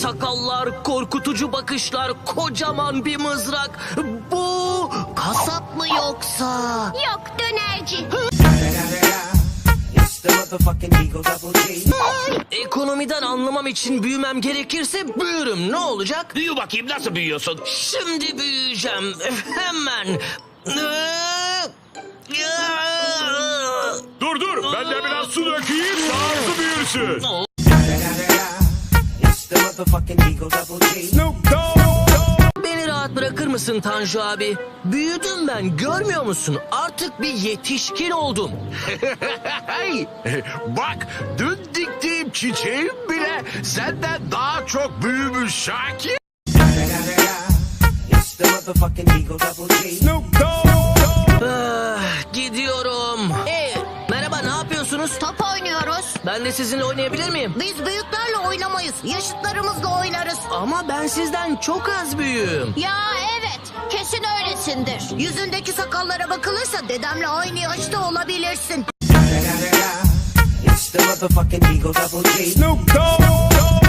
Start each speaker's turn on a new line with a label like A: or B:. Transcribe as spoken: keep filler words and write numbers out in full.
A: sakallar, korkutucu bakışlar, kocaman bir mızrak. Bu kasap mı yoksa?
B: Yok, dönerci.
A: Ekonomiden anlamam için büyümem gerekirse büyürüm. Ne olacak?
C: Büyü bakayım, nasıl büyüyorsun?
A: Şimdi büyüyeceğim. Hemen.
C: Dur dur, ben de biraz su dökeyim, daha hızlı büyürsün.
A: Beni rahat bırakır mısın Tanju abi? Büyüdüm ben, görmüyor musun? Artık bir yetişkin oldum.
C: Hey, bak, dün diktiğim çiçeğim bile senden daha çok büyümüş Şakir.
A: Ah, gidiyorum. Hey, merhaba, ne yapıyorsunuz?
B: Top oynuyoruz.
A: Ben de sizinle oynayabilir miyim?
B: Biz büyüklerle oynamayız. Yaşıtlarımızla oynarız.
A: Ama ben sizden çok az büyüğüm.
B: Ya evet, kesin öylesindir. Yüzündeki sakallara bakılırsa dedemle aynı yaşta olabilirsin.
D: It's the motherfucking Eagle Double G. Snoop Dogg.